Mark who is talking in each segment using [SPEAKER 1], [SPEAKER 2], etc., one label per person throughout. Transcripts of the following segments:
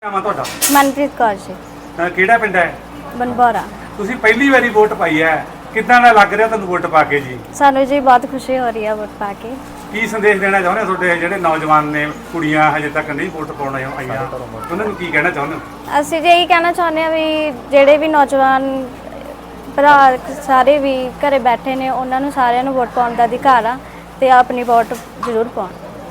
[SPEAKER 1] ਨਾਮ ਆ ਤੁਹਾਡਾ?
[SPEAKER 2] ਮਨਪ੍ਰੀਤ ਕੌਰ ਜੀ।
[SPEAKER 1] ਕਿਹੜਾ ਪਿੰਡ ਹੈ?
[SPEAKER 2] ਬਨਬੋਰਾ।
[SPEAKER 1] ਤੁਸੀਂ ਪਹਿਲੀ ਵਾਰੀ ਵੋਟ ਪਾਈ ਹੈ, ਕਿੱਦਾਂ ਦਾ ਲੱਗ ਰਿਹਾ ਤੁਹਾਨੂੰ ਵੋਟ ਪਾ ਕੇ ਜੀ?
[SPEAKER 2] ਸਾਨੂੰ ਜੀ ਬਹੁਤ ਖੁਸ਼ੀ ਹੋ ਰਹੀ ਹੈ ਵੋਟ ਪਾ ਕੇ।
[SPEAKER 1] ਕੀ ਸੰਦੇਸ਼ ਦੇਣਾ ਚਾਹੁੰਦੇ ਹੋ ਤੁਹਾਡੇ ਜਿਹੜੇ ਨੌਜਵਾਨ ਨੇ, ਕੁੜੀਆਂ ਹਜੇ ਤੱਕ ਨਹੀਂ ਵੋਟ ਪਾਉਣ ਆਈਆਂ, ਉਹਨਾਂ ਨੂੰ ਕੀ ਕਹਿਣਾ ਚਾਹੁੰਦੇ ਹੋ?
[SPEAKER 2] ਅਸੀਂ ਜੀ ਇਹੀ ਕਹਿਣਾ ਚਾਹੁੰਦੇ ਹਾਂ ਵੀ ਜਿਹੜੇ ਵੀ ਨੌਜਵਾਨ ਭਰਾ ਸਾਰੇ ਵੀ ਘਰੇ ਬੈਠੇ ਨੇ, ਉਹਨਾਂ ਨੂੰ ਸਾਰਿਆਂ ਨੂੰ ਵੋਟ ਪਾਉਣ ਦਾ ਅਧਿਕਾਰ ਆ ਤੇ ਆਪਣੀ ਵੋਟ ਜ਼ਰੂਰ ਪਾਉਣ।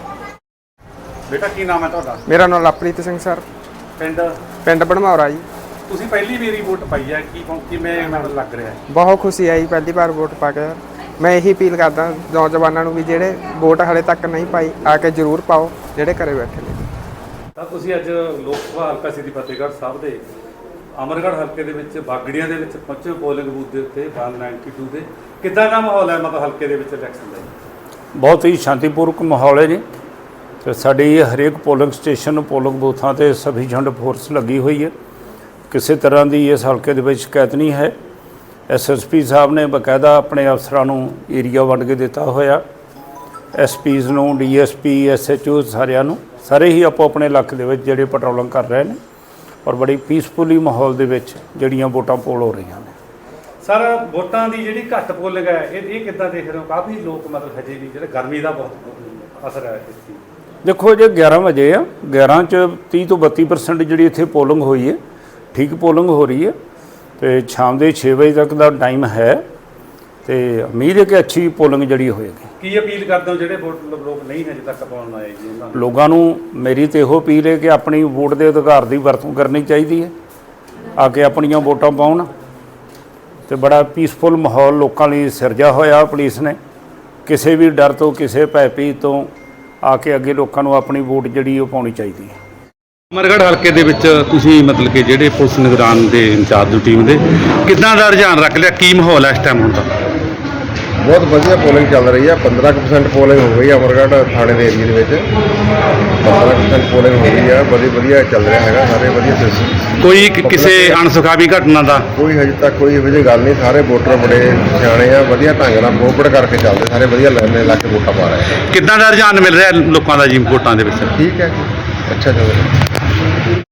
[SPEAKER 1] ਬੇਟਾ ਕੀ ਨਾਮ ਹੈ ਤੁਹਾਡਾ?
[SPEAKER 3] ਮੇਰਾ ਨਾਮ ਲਵਪ੍ਰੀਤ ਸਿੰਘ ਸਰ।
[SPEAKER 1] ਪਿੰਡ
[SPEAKER 3] ਬਨਬੋਰਾ ਜੀ।
[SPEAKER 1] ਤੁਸੀਂ ਪਹਿਲੀ ਵਾਰੀ ਵੋਟ ਪਾਈ ਹੈ, ਕਿਵੇਂ ਮਤਲਬ ਲੱਗ ਰਿਹਾ ਹੈ?
[SPEAKER 3] ਬਹੁਤ ਖੁਸ਼ੀ ਆਈ ਪਹਿਲੀ ਵਾਰ ਵੋਟ ਪਾ ਕੇ। ਮੈਂ ਇਹੀ ਅਪੀਲ ਕਰਦਾ ਨੌਜਵਾਨਾਂ ਨੂੰ ਵੀ ਜਿਹੜੇ ਵੋਟ ਹਾਲੇ ਤੱਕ ਨਹੀਂ ਪਾਈ ਆ ਕੇ ਜ਼ਰੂਰ ਪਾਓ, ਜਿਹੜੇ ਘਰੇ ਬੈਠੇ ਨੇ।
[SPEAKER 1] ਤਾਂ ਤੁਸੀਂ ਅੱਜ ਲੋਕ ਸਭਾ ਹਲਕਾ ਸ੍ਰੀ ਫਤਿਹਗੜ੍ਹ ਸਾਹਿਬ ਦੇ ਅਮਰਗੜ੍ਹ ਹਲਕੇ ਦੇ ਵਿੱਚ ਬਾਗੜੀਆਂ ਦੇ ਵਿੱਚ ਪਹੁੰਚੇ ਪੋਲਿੰਗ ਬੂਥ ਦੇ ਉੱਤੇ 192 ਦੇ। ਕਿੱਦਾਂ ਦਾ ਮਾਹੌਲ ਹੈ ਮਤਲਬ ਹਲਕੇ ਦੇ ਵਿੱਚ ਇਲੈਕਸ਼ਨ ਦਾ?
[SPEAKER 4] ਬਹੁਤ ਹੀ ਸ਼ਾਂਤੀਪੂਰਵਕ ਮਾਹੌਲ ਹੈ ਜੀ। ਤੇ ਸਾਡੀ ਹਰੇਕ ਪੋਲਿੰਗ ਸਟੇਸ਼ਨ ਪੋਲਿੰਗ ਬੂਥਾਂ ਤੇ ਸਫੀਸ਼ੀਐਂਟ ਫੋਰਸ ਲੱਗੀ ਹੋਈ ਹੈ। ਕਿਸੇ ਤਰ੍ਹਾਂ ਦੀ ਇਸ ਹਲਕੇ ਦੇ ਵਿੱਚ ਸ਼ਿਕਾਇਤ ਨਹੀਂ ਹੈ। ਐਸਐਸਪੀ ਸਾਹਿਬ ਨੇ ਬਕਾਇਦਾ ਆਪਣੇ ਅਫਸਰਾਂ ਨੂੰ ਏਰੀਆ ਵੰਡ ਕੇ ਦਿੱਤਾ ਹੋਇਆ, ਐਸਪੀਜ਼ ਨੂੰ, ਡੀਐਸਪੀ, ਐਸਐਚਓ ਸਾਰਿਆਂ ਨੂੰ। ਸਾਰੇ ਹੀ ਆਪੋ ਆਪਣੇ ਇਲਾਕੇ ਦੇ ਵਿੱਚ ਜਿਹੜੇ ਪੈਟਰੋਲਿੰਗ ਕਰ ਰਹੇ ਨੇ ਔਰ ਬੜੀ ਪੀਸਫੁਲੀ ਮਾਹੌਲ ਦੇ ਵਿੱਚ ਜਿਹੜੀਆਂ ਵੋਟਾਂ ਪੋਲ ਹੋ ਰਹੀਆਂ ਨੇ।
[SPEAKER 1] ਸਰ, ਵੋਟਾਂ ਦੀ ਜਿਹੜੀ ਘੱਟ ਪੋਲਿੰਗ ਹੈ ਇਹ ਕਿੱਦਾਂ ਦੇਖ ਰਹੇ ਹੋ? ਕਾਫੀ ਲੋਕ ਮਤਲਬ ਹਜੇ ਵੀ ਜਿਹੜੇ ਗਰਮੀ ਦਾ ਬਹੁਤ ਅਸਰ ਹੈ ਇਸ ਚੀਜ਼।
[SPEAKER 4] ਦੇਖੋ ਜੇ 11 ਵਜੇ ਆ, 11 'ਚ 30 ਤੋਂ 32% ਜਿਹੜੀ ਇੱਥੇ ਪੋਲਿੰਗ ਹੋਈ ਹੈ, ਠੀਕ ਪੋਲਿੰਗ ਹੋ ਰਹੀ ਹੈ। ਤੇ ਸ਼ਾਮ ਦੇ 6 ਵਜੇ ਤੱਕ ਦਾ ਟਾਈਮ ਹੈ ਤੇ ਉਮੀਦ ਹੈ ਕਿ ਅੱਛੀ ਪੋਲਿੰਗ ਜਿਹੜੀ ਹੋਏਗੀ।
[SPEAKER 1] ਕੀ ਅਪੀਲ ਕਰਦੇ ਹੋ ਜਿਹੜੇ ਲੋਕ ਨਹੀਂ ਹਜੇ ਤੱਕ ਪਾਉਣ ਆਏ ਜੀ ਉਹਨਾਂ ਨੂੰ?
[SPEAKER 4] ਲੋਕਾਂ ਨੂੰ ਮੇਰੀ ਤੇ ਇਹੋ ਅਪੀਲ ਹੈ ਕਿ ਆਪਣੀ ਵੋਟ ਦੇ ਅਧਿਕਾਰ ਦੀ ਵਰਤੋਂ ਕਰਨੀ ਚਾਹੀਦੀ ਹੈ, ਆ ਕੇ ਆਪਣੀਆਂ ਵੋਟਾਂ ਪਾਉਣ। ਤੇ ਬੜਾ ਪੀਸਫੁਲ ਮਾਹੌਲ ਲੋਕਾਂ ਲਈ ਸਿਰਜਿਆ ਹੋਇਆ ਪੁਲਿਸ ਨੇ। ਕਿਸੇ ਵੀ ਡਰ ਤੋਂ, ਕਿਸੇ ਭੈਭੀਤੀ ਤੋਂ ਆ ਕੇ ਅੱਗੇ ਲੋਕਾਂ ਨੂੰ ਆਪਣੀ ਵੋਟ ਜਿਹੜੀ ਉਹ ਪਾਉਣੀ ਚਾਹੀਦੀ ਹੈ।
[SPEAKER 1] ਅਮਰਗੜ੍ਹ ਹਲਕੇ ਦੇ ਵਿੱਚ ਤੁਸੀਂ ਮਤਲਬ ਕਿ ਜਿਹੜੇ ਪੁਲਿਸ ਨਿਗਰਾਨ ਦੇ ਇੰਚਾਰਜ ਟੀਮ ਦੇ ਕਿੱਦਾਂ ਦਾ ਰੁਝਾਨ ਰੱਖ ਲਿਆ? ਕੀ ਮਾਹੌਲ ਹੈ ਇਸ ਟਾਈਮ ਹੁਣ ਦਾ?
[SPEAKER 5] ਬਹੁਤ ਵਧੀਆ ਪੋਲਿੰਗ ਚੱਲ ਰਹੀ ਹੈ। 15% ਪੋਲਿੰਗ ਹੋ ਗਈ ਅਮਰਗੜ੍ਹ ਥਾਣੇ ਦੇ ਏਰੀਏ ਦੇ ਵਿੱਚ। 15% ਪੋਲਿੰਗ ਹੋ ਗਈ ਹੈ। ਵਧੀਆ ਚੱਲ ਰਿਹਾ ਹੈਗਾ, ਸਾਰੇ ਵਧੀਆ ਸਿਸਟਮ।
[SPEAKER 1] ਕੋਈ ਕਿਸੇ ਅਣਸੁਖਾਵੀ ਘਟਨਾ ਦਾ
[SPEAKER 5] ਕੋਈ ਹਜੇ ਤੱਕ ਕੋਈ ਇਹੋ ਜਿਹੀ ਗੱਲ ਨਹੀਂ। ਸਾਰੇ ਵੋਟਰ ਬੜੇ ਸਿਆਣੇ ਆ, ਵਧੀਆ ਢੰਗ ਨਾਲ ਕੋਪਰੇਟ ਕਰਕੇ ਚੱਲਦੇ, ਸਾਰੇ ਵਧੀਆ ਲਾਈਨ ਲਾ ਕੇ ਵੋਟਾਂ ਪਾ ਰਹੇ।
[SPEAKER 1] ਕਿੱਦਾਂ ਦਾ ਰੁਝਾਨ ਮਿਲ ਰਿਹਾ ਲੋਕਾਂ ਦਾ ਜੀ ਵੋਟਾਂ ਦੇ ਵਿੱਚ?
[SPEAKER 5] ਠੀਕ ਹੈ, ਅੱਛਾ ਚੱਲ ਰਿਹਾ।